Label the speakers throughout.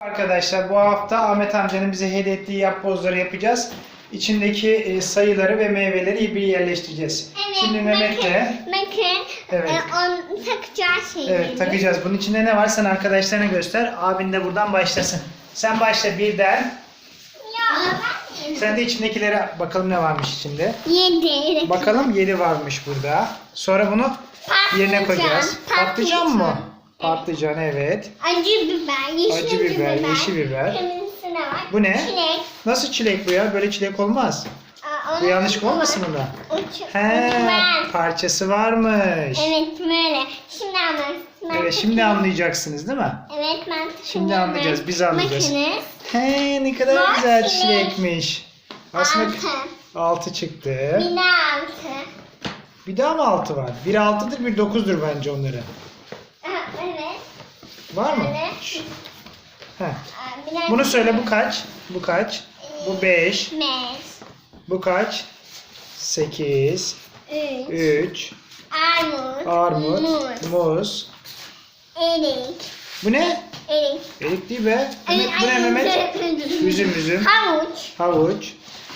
Speaker 1: Arkadaşlar bu hafta Ahmet amcanın bize hediye ettiği yapbozları yapacağız. İçindeki sayıları ve meyveleri bir yerleştireceğiz.
Speaker 2: Evet,
Speaker 1: Şimdi Mehmet'le evet.
Speaker 2: Onu takacağı şeyleri.
Speaker 1: Evet, takacağız. Bunun içinde ne var sen arkadaşlarına göster. Abin de buradan başlasın. Sen başla birden.
Speaker 2: Ya
Speaker 1: Sen de içindekilere bakalım ne varmış içinde.
Speaker 2: 7.
Speaker 1: Bakalım 7 varmış burada. Sonra bunu yerine koyacağız. Patlıcan mı? Patlıcan evet.
Speaker 2: Acı biber, yeşil biber,
Speaker 1: yeşil biber.
Speaker 2: Kırmızısı ne var?
Speaker 1: Bu ne?
Speaker 2: Çilek.
Speaker 1: Nasıl çilek bu ya? Böyle çilek olmaz. Bu yanlışlık olmasın bunda? He, parçası varmış.
Speaker 2: Evet böyle. Şimdi anlarsın.
Speaker 1: Evet, şimdi anlayacaksınız değil mi?
Speaker 2: Evet ben
Speaker 1: Şimdi anlayacağız, biz anlayacağız.
Speaker 2: Makine.
Speaker 1: He, ne kadar güzel
Speaker 2: Makine.
Speaker 1: çilekmiş. Aslında
Speaker 2: 6.
Speaker 1: 6 çıktı.
Speaker 2: Bir de 6.
Speaker 1: Bir daha mı 6 var? Bir 6'dır, bir 9'dur bence onları.
Speaker 2: Evet.
Speaker 1: Var mı?
Speaker 2: Evet.
Speaker 1: He.
Speaker 2: Bir de
Speaker 1: Bunu söyle, bu kaç? Bu kaç? Bu 5.
Speaker 2: 5.
Speaker 1: Bu kaç? 8.
Speaker 2: 3.
Speaker 1: 3.
Speaker 2: Armut.
Speaker 1: Muz.
Speaker 2: Erik.
Speaker 1: Bu ne?
Speaker 2: Erik.
Speaker 1: Erik değil be. Bu ne Mehmet? Üzüm.
Speaker 2: Havuç.
Speaker 1: Havuç.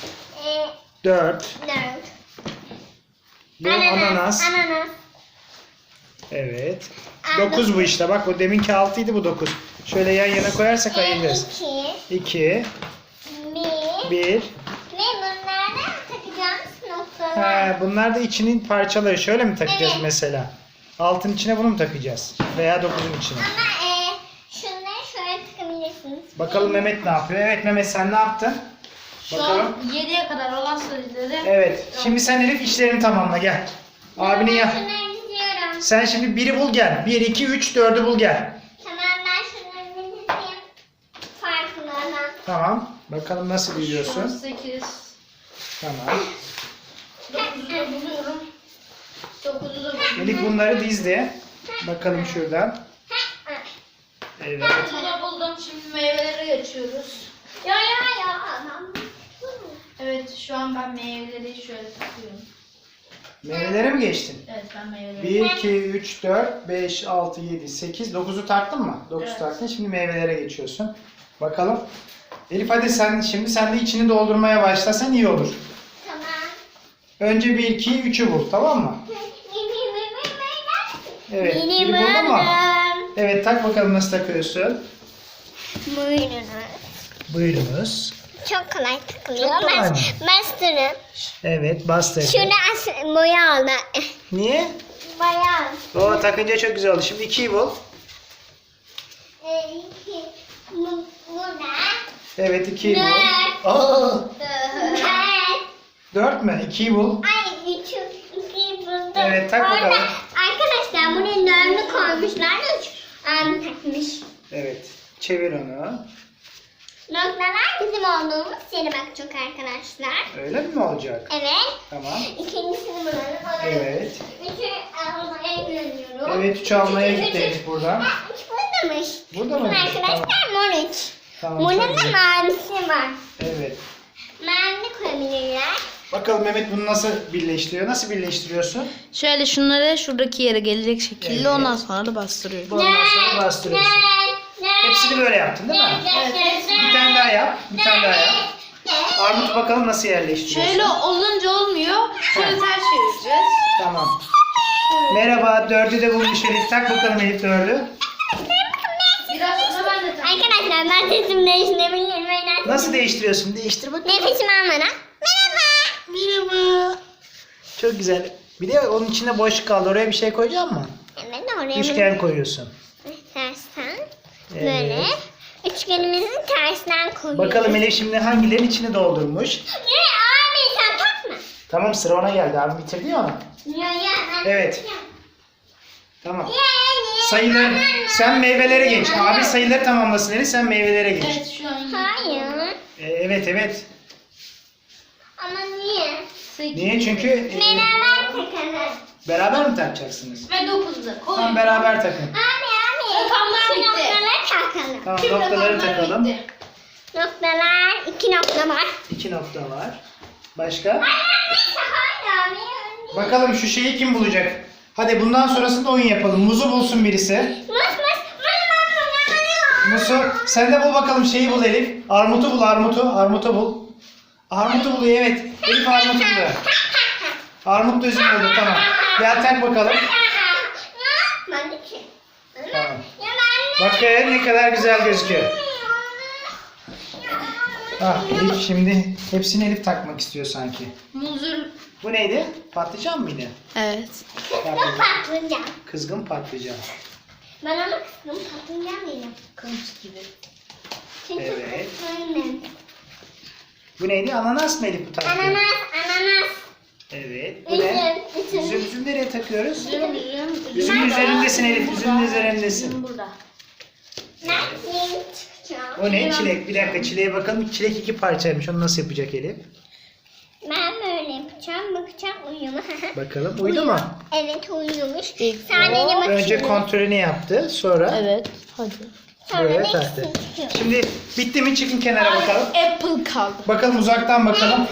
Speaker 1: 4.
Speaker 2: 4.
Speaker 1: Bu ananas.
Speaker 2: Ananas.
Speaker 1: Evet. 9 bu işte. Bak bu deminki 6 idi, bu 9. Şöyle yan yana koyarsak ayırırız.
Speaker 2: 2.
Speaker 1: 2.
Speaker 2: 1.
Speaker 1: 1.
Speaker 2: Ve bunlardan takacağımız noktalar.
Speaker 1: He, bunlar da içinin parçaları. Şöyle mi takacağız
Speaker 2: Evet.
Speaker 1: mesela? Altın içine bunu mu takacağız? Veya 9'un içine.
Speaker 2: Ama şunları şöyle takabilirsiniz.
Speaker 1: Bakalım Mehmet ne yapıyor? Evet Mehmet, sen ne yaptın?
Speaker 3: Şu
Speaker 1: Bakalım.
Speaker 3: an 7'ye kadar olan sayıları.
Speaker 1: Evet. Şimdi sen Elif işlerini tamamla, gel. Abinin ya.
Speaker 2: Şunları diziyorum.
Speaker 1: Sen şimdi 1'i bul gel. 1, 2, 3, 4'ü bul gel.
Speaker 2: Tamam ben şunları dizeyim. Farklılardan.
Speaker 1: Tamam. Bakalım nasıl
Speaker 3: Şu an
Speaker 1: biliyorsun.
Speaker 3: 8.
Speaker 1: Tamam.
Speaker 3: 9'u da buluyorum. 9'u da buluyorum.
Speaker 1: Elif bunları dizdi. Bakalım şuradan. Evet.
Speaker 3: 9'u da buldum. Şimdi meyvelere geçiyoruz.
Speaker 2: Ya.
Speaker 3: Evet, şu an ben meyveleri şöyle takıyorum.
Speaker 1: Meyvelere mi geçtin?
Speaker 3: Evet, ben meyveleri.
Speaker 1: 1, 2, 3, 4, 5, 6, 7, 8, 9'u taktın mı? 9
Speaker 3: Evet.
Speaker 1: taktın. Şimdi meyvelere geçiyorsun. Bakalım. Elif hadi sen de içini doldurmaya başlasan iyi olur.
Speaker 2: Tamam.
Speaker 1: Önce 1, 2, 3'ü bul, tamam mı? Evet. Biri buldun mu? Evet, tak bakalım nasıl takıyorsun.
Speaker 2: Buyurunuz.
Speaker 1: Buyurunuz.
Speaker 2: Çok kolay takılıyor.
Speaker 1: Çok kolay mı?
Speaker 2: Bastırın.
Speaker 1: Evet, bastır.
Speaker 2: Şurada boya oldu.
Speaker 1: Niye?
Speaker 2: Boya.
Speaker 1: O takınca çok güzel oldu. Şimdi 2'yi bul.
Speaker 2: Burada.
Speaker 1: Evet, 2'yi bul.
Speaker 2: Dört.
Speaker 1: Aa,
Speaker 2: Dört.
Speaker 1: 4 mü? 2'yi bul.
Speaker 2: Ay, iki buldum.
Speaker 1: Evet, tak
Speaker 2: Orada
Speaker 1: bakalım.
Speaker 2: arkadaşlar buraya dördü koymuşlar. Üç abim takmış.
Speaker 1: Evet. Çevir onu.
Speaker 2: Noktalar bizim olduğumuz yere bakacak arkadaşlar.
Speaker 1: Öyle mi olacak?
Speaker 2: Evet.
Speaker 1: Tamam.
Speaker 2: İkincisini bulalım.
Speaker 1: Evet.
Speaker 2: Üçü almaya gidiyorum.
Speaker 1: Evet, 3 almaya
Speaker 2: Üç,
Speaker 1: gitti
Speaker 2: üç,
Speaker 1: Elif buradan.
Speaker 2: Ha, üç buradamış.
Speaker 1: Burada mı?
Speaker 2: Bakın arkadaşlar mor üç.
Speaker 1: Tamam,
Speaker 2: Morun
Speaker 1: çok
Speaker 2: da
Speaker 1: güzel.
Speaker 2: mavisi var.
Speaker 1: Evet.
Speaker 2: Mavi koyabilirler.
Speaker 1: Bakalım Mehmet bunu nasıl birleştiriyor? Nasıl birleştiriyorsun?
Speaker 3: Şöyle şunları şuradaki yere gelecek şekilde
Speaker 1: Evet.
Speaker 3: ondan sonra da bastırıyorum.
Speaker 1: Ondan sonra bastırıyorsun. Hepsini böyle yaptın değil mi? Bir tane daha yap. Bir tane daha yap. Armut bakalım nasıl yerleştiriyorsun?
Speaker 3: Şöyle olunca olmuyor. Şöyle ters çevireceğiz.
Speaker 1: Tamam. Merhaba, 4'ü de bulmuş Elif. Tak bakalım Elif 4'ü.
Speaker 3: Biraz sonra ben de takayım.
Speaker 2: Arkadaşlar ben sesimi değiştirebilirim.
Speaker 1: Nasıl değiştiriyorsun? Değiştir bakalım.
Speaker 2: Nefesimi almadan. Merhaba.
Speaker 1: Merhaba. Çok güzel. Bir de onun içinde boşluk kaldı. Oraya bir şey koyacak mısın?
Speaker 2: Evet oraya
Speaker 1: Üçgen koyuyorsun.
Speaker 2: tersten.
Speaker 1: Evet.
Speaker 2: Böyle. Üçgenimizi tersten koyuyoruz.
Speaker 1: Bakalım Elif şimdi hangilerin içini doldurmuş.
Speaker 2: Ne abi sen takma.
Speaker 1: Tamam, sıra ona geldi. Abi bitirdi ya onu.
Speaker 2: Ya ben.
Speaker 1: Evet. Tamam.
Speaker 2: Ya.
Speaker 1: Sayılar. Sen meyvelere geç. Abi sayıları tamamlasın Elif. Sen meyvelere geç.
Speaker 3: Evet, şu an
Speaker 2: Hayır.
Speaker 1: Evet evet.
Speaker 2: Ama niye?
Speaker 3: 8
Speaker 1: Niye? Çünkü
Speaker 2: Beraber takalım.
Speaker 1: beraber mi takacaksınız?
Speaker 3: ve 9'da koy.
Speaker 1: Tamam, beraber takın.
Speaker 2: Abi.
Speaker 3: Rakamlar
Speaker 2: Şu
Speaker 3: bitti.
Speaker 2: noktaları takalım.
Speaker 1: Tamam,
Speaker 3: Tüm
Speaker 1: noktaları
Speaker 3: rakamlar
Speaker 1: takalım.
Speaker 3: bitti.
Speaker 2: Noktalar. 2 nokta var.
Speaker 1: 2 nokta var. Başka?
Speaker 2: Neyse hayır abi.
Speaker 1: Bakalım şu şeyi kim bulacak? Hadi bundan sonrasında oyun yapalım. Muzu bulsun birisi.
Speaker 2: Mus mus. Bana bak.
Speaker 1: Musu sen de bul bakalım şeyi bul Elif. Armutu bul armutu. Armutu bul. Armutu buluyor evet. Elif armutu buluyor. Armut da üzüm oldu tamam. Gel tak bakalım.
Speaker 2: Ben de ki.
Speaker 1: Tamam.
Speaker 2: Ya ben de.
Speaker 1: Bakın ne kadar güzel gözüküyor. Ah Elif şimdi hepsini Elif takmak istiyor sanki.
Speaker 3: Muzur.
Speaker 1: Bu neydi? Patlıcan mıydı?
Speaker 3: Evet.
Speaker 2: Kızgın patlıcan.
Speaker 1: Kızgın patlıcan.
Speaker 2: Ben ona kızgın patlıcan değilim.
Speaker 3: Kılıç gibi.
Speaker 2: Çünkü
Speaker 1: Evet.
Speaker 2: Aynen.
Speaker 1: Bu neydi? Ananas mı Elif bu tarafta?
Speaker 2: Ananas.
Speaker 1: Evet. Bu ne?
Speaker 2: Üzüm.
Speaker 1: Üzüm nereye takıyoruz?
Speaker 3: Üzüm.
Speaker 1: Üzümün üzerindesin Elif. Üzümün üzerindesin.
Speaker 3: Üzüm burada.
Speaker 2: Ben yeni çıkacağım.
Speaker 1: O ne? Çilek. Bir dakika çileğe bakalım. Çilek 2 parçaymış. Onu nasıl yapacak Elif?
Speaker 2: Ben böyle yapacağım. Bakacağım uyuyor mu?
Speaker 1: Bakalım. Uydu mu?
Speaker 2: Evet uyuyormuş.
Speaker 3: İlk
Speaker 2: Sadece bakıyorum.
Speaker 1: Önce kontrolünü yaptı. Sonra
Speaker 3: Evet. Hadi.
Speaker 2: Sonra
Speaker 1: buraya
Speaker 2: da
Speaker 1: taktı.
Speaker 2: ikisini çıkıyor.
Speaker 1: Şimdi bitti mi? Çıkın kenara bakalım.
Speaker 3: Apple kaldı.
Speaker 1: Bakalım uzaktan bakalım.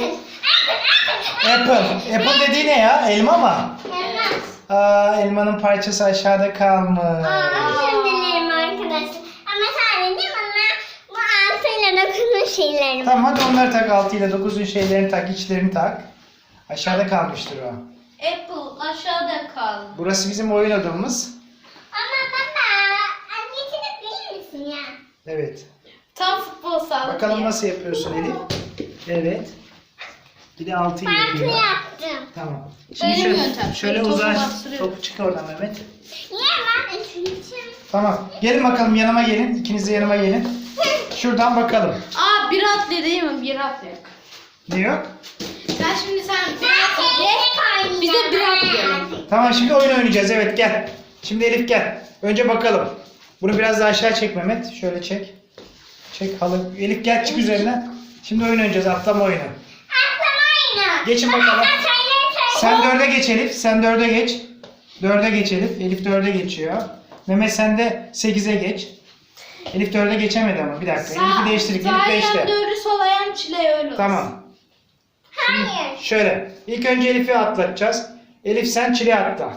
Speaker 1: Apple. Apple dediği ne ya? Elma mı?
Speaker 2: Elmas.
Speaker 1: Aa, elmanın parçası aşağıda kalmış.
Speaker 2: Özür dilerim arkadaşlar. Ama sadece bana bu altıyla dokunma şeylerim.
Speaker 1: Tamam hadi onları tak. 6 ile 9'un şeylerini tak. İçlerini tak. Aşağıda kalmıştır o.
Speaker 3: Apple aşağıda kaldı.
Speaker 1: Burası bizim oyun odamız.
Speaker 2: Ama baba getirip verir misin ya?
Speaker 1: Evet.
Speaker 3: Tam futbol sahası.
Speaker 1: Bakalım nasıl yapıyorsun Elif? Evet. Bir de 6'yı
Speaker 2: Farklı
Speaker 1: yapıyor.
Speaker 2: yaptım.
Speaker 1: Tamam.
Speaker 3: Öyle
Speaker 1: Şimdi
Speaker 3: bir
Speaker 1: şöyle,
Speaker 3: yöntem.
Speaker 1: şöyle
Speaker 3: Topu
Speaker 1: uzan.
Speaker 3: bastırıyorum.
Speaker 1: Topu çık oradan Mehmet.
Speaker 2: Niye ben üçüncü?
Speaker 1: Tamam. Gelin bakalım yanıma gelin. İkiniz de yanıma gelin. Şuradan bakalım.
Speaker 3: Aa bir atlı değil mi? Bir atlı yok.
Speaker 1: Ne yok?
Speaker 3: Sen şimdi sen bir
Speaker 2: Ben
Speaker 3: atlı ye. Biz de bir atlayalım.
Speaker 1: Tamam şimdi oyun oynayacağız. Evet gel. Şimdi Elif gel. Önce bakalım. Bunu biraz daha aşağı çek Mehmet. Şöyle çek. Çek halı. Elif gel çık üzerine. Şimdi oyun oynayacağız. Atlama oyunu.
Speaker 2: Atlamayın.
Speaker 1: Geçin bakalım. Sen 4'e geç Elif. Sen 4'e geç. 4'e geç Elif. Elif 4'e geçiyor. Mehmet sen de 8'e geç. Elif 4'e geçemedi ama. Bir dakika. Elif'i değiştirdik. Elif
Speaker 3: Sağ
Speaker 1: 5'te.
Speaker 3: ayağım doğru sol ayağım çileğe öyle olsun.
Speaker 1: Tamam.
Speaker 2: Hayır.
Speaker 1: Şöyle. İlk önce Elif'i atlatacağız. Elif sen çile atla.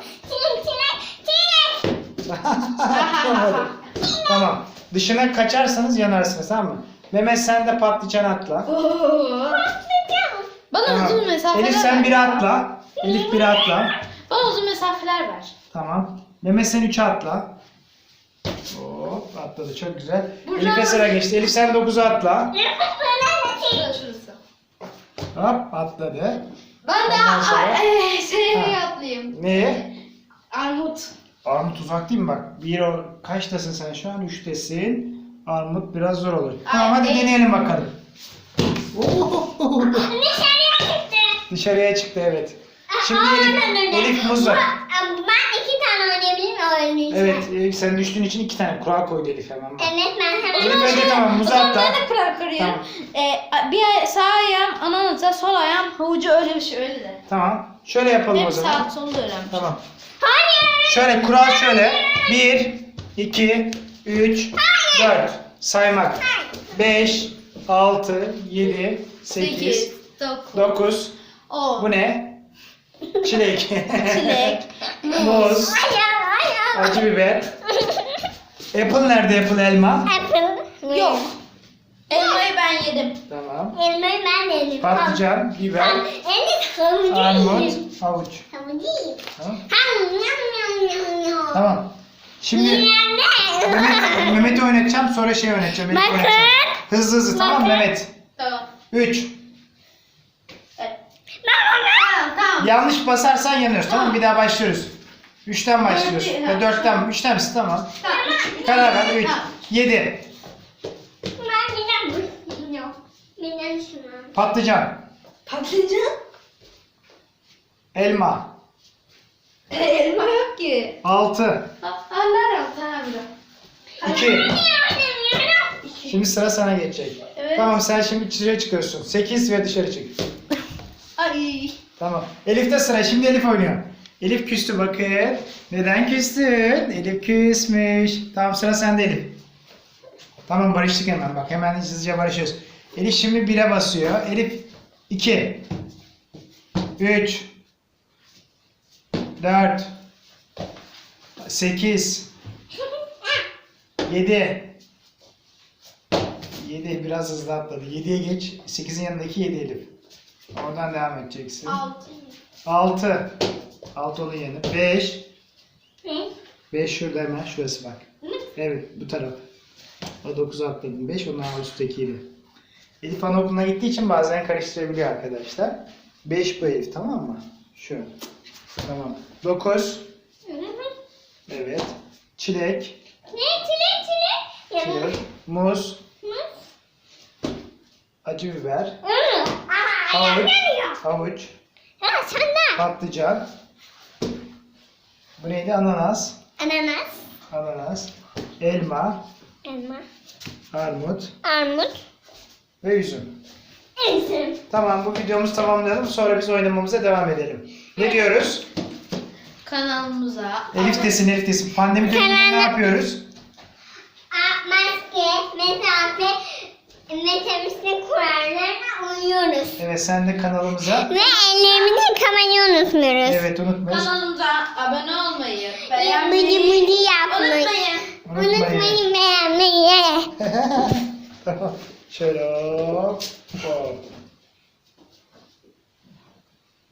Speaker 2: Çilek.
Speaker 1: Atlamadı. Tamam. Dışına kaçarsanız yanarsınız tamam mı? Mehmet sen de patlıcan atla.
Speaker 3: Oo. Bana
Speaker 1: Tamam.
Speaker 3: uzun mesafeler
Speaker 1: Elif sen
Speaker 3: ver.
Speaker 1: 1'e atla. Elif 1'e atla.
Speaker 3: Bana uzun mesafeler ver.
Speaker 1: Tamam. Mehmet sen 3'e atla. Hop atladı çok güzel.
Speaker 3: Buradan-
Speaker 1: Elif'e sıra geçti. Elif sen 9'a atla.
Speaker 3: Şurası.
Speaker 1: Hop atladı.
Speaker 3: Ben de
Speaker 1: Ondan sonra-
Speaker 3: şeye
Speaker 1: Ha.
Speaker 3: atlayayım.
Speaker 1: Neye?
Speaker 3: Armut.
Speaker 1: Armut uzak değil mi bak? Kaçtasın sen şu an? 3'tesin. Armut biraz zor olur. Tamam hadi
Speaker 3: evet.
Speaker 1: deneyelim bakalım.
Speaker 2: Dışarıya çıktı.
Speaker 1: Dışarıya çıktı evet. Şimdi Elif muz var.
Speaker 2: Ben 2 tane oynayabilir miyim oynayacağım?
Speaker 1: Evet Elif sen düştüğün için 2 tane kural koydu Elif hemen bak.
Speaker 2: Evet ben hemen.
Speaker 1: Elif önce tamam muzu
Speaker 3: O zaman
Speaker 1: atla.
Speaker 3: ben de kural koruyorum.
Speaker 1: Tamam.
Speaker 3: Sağ ayağım ananasa, sol ayağım havucu öyle bir şey öyle de.
Speaker 1: Tamam. Şöyle yapalım o
Speaker 3: Hep
Speaker 1: zaman.
Speaker 3: sağ solu da öğrenmiş.
Speaker 1: Tamam.
Speaker 2: Hayır.
Speaker 1: Şöyle kural şöyle. 1, 2, 3, 4. Saymak. 5, 6, 7, 8,
Speaker 3: 9,
Speaker 1: 9.
Speaker 3: 10.
Speaker 1: Bu ne? Çilek.
Speaker 3: Çilek,
Speaker 1: Muz.
Speaker 2: Hayır.
Speaker 1: Acı biber. Apple nerede Apple elma?
Speaker 2: Apple.
Speaker 3: Yok. Elmayı ben yedim.
Speaker 1: Tamam.
Speaker 2: Elmayı ben de yedim.
Speaker 1: Patlıcan, biber,
Speaker 2: Evet havucu
Speaker 1: armut,
Speaker 2: yedim.
Speaker 1: havuç.
Speaker 2: Havucu yedim.
Speaker 1: Tamam.
Speaker 2: Ham.
Speaker 1: Tamam. Şimdi Mehmet'i oynatacağım sonra şey oynatacağım. Elif'i
Speaker 2: Bakın.
Speaker 1: oynatacağım. Hızlı hızlı tamam
Speaker 2: Bakın.
Speaker 1: Mehmet.
Speaker 3: Tamam.
Speaker 1: 3.
Speaker 3: Evet. Tamam.
Speaker 1: Yanlış basarsan yanıyoruz tamam mı? Bir daha başlıyoruz. 3'ten başlıyoruz.
Speaker 3: Dört,
Speaker 1: Ya 4'ten 3'ten misin tamam. Karar ver 3.
Speaker 3: Tamam.
Speaker 1: 7.
Speaker 2: Ben bilmem bu. Yok. Bilmem şunu.
Speaker 1: Patlıcan.
Speaker 3: Patlıcan?
Speaker 1: Elma.
Speaker 3: Elma yok ki.
Speaker 1: 6.
Speaker 3: Anlarım tamam.
Speaker 1: 2. Şimdi sıra sana geçecek.
Speaker 3: Evet.
Speaker 1: Tamam sen şimdi dışarı çıkıyorsun. 8 ve dışarı çık.
Speaker 3: Ay.
Speaker 1: Tamam. Elif'te sıra. Şimdi Elif oynuyor. Elif küstü bakın. Neden küstün? Elif küsmüş. Tamam sıra sende Elif. Tamam barıştık hemen bak. Hemen hızlıca barışıyoruz. Elif şimdi 1'e basıyor. Elif 2. 3. 4. 8. 7. 7 biraz hızlı atladı. 7'ye geç. 8'in yanındaki 7 Elif. Oradan devam edeceksin.
Speaker 3: 6.
Speaker 1: 6. 6 onun yanı. 5.
Speaker 2: Ne?
Speaker 1: 5 şurada hemen. Şurası bak. Evet bu taraf. O 9'u atladım. 5 onun üstteki 7. Elif anaokuluna gittiği için bazen karıştırabiliyor arkadaşlar. 5 bu Elif, tamam mı? Şu. Tamam. 9. Evet. Çilek.
Speaker 2: Ne? Çilek. Yanına.
Speaker 1: Çilek. Muz.
Speaker 2: Muz.
Speaker 1: Acı biber.
Speaker 2: Aa,
Speaker 1: Havuç.
Speaker 2: yanıyor.
Speaker 1: Havuç.
Speaker 2: Ha, sen de.
Speaker 1: Patlıcan. Bu neydi? Ananas.
Speaker 2: Ananas.
Speaker 1: Ananas. Elma.
Speaker 2: Elma.
Speaker 1: Armut.
Speaker 2: Armut.
Speaker 1: Ve üzüm.
Speaker 2: Üzüm.
Speaker 1: Tamam, bu videomuzu tamamlayalım. Sonra biz oynamamıza devam edelim. Ne diyoruz?
Speaker 3: Kanalımıza
Speaker 1: Elif desin. Pandemi döneminde ne yapıyoruz?
Speaker 2: Maske, mesafe ve temizlik kurallarına uyuyoruz.
Speaker 1: Evet, sen de kanalımıza.
Speaker 2: Ve ellerimizi yıkamayı unutmuyoruz.
Speaker 1: Evet, unutmayın.
Speaker 3: kanalımıza abone olmayı,
Speaker 2: Bıcı
Speaker 3: beğenmeyi
Speaker 2: bıcı yapmayı.
Speaker 3: unutmayın.
Speaker 2: Unutmayın beğenmeyi.
Speaker 1: Tamam. Şöyle hop. Hop.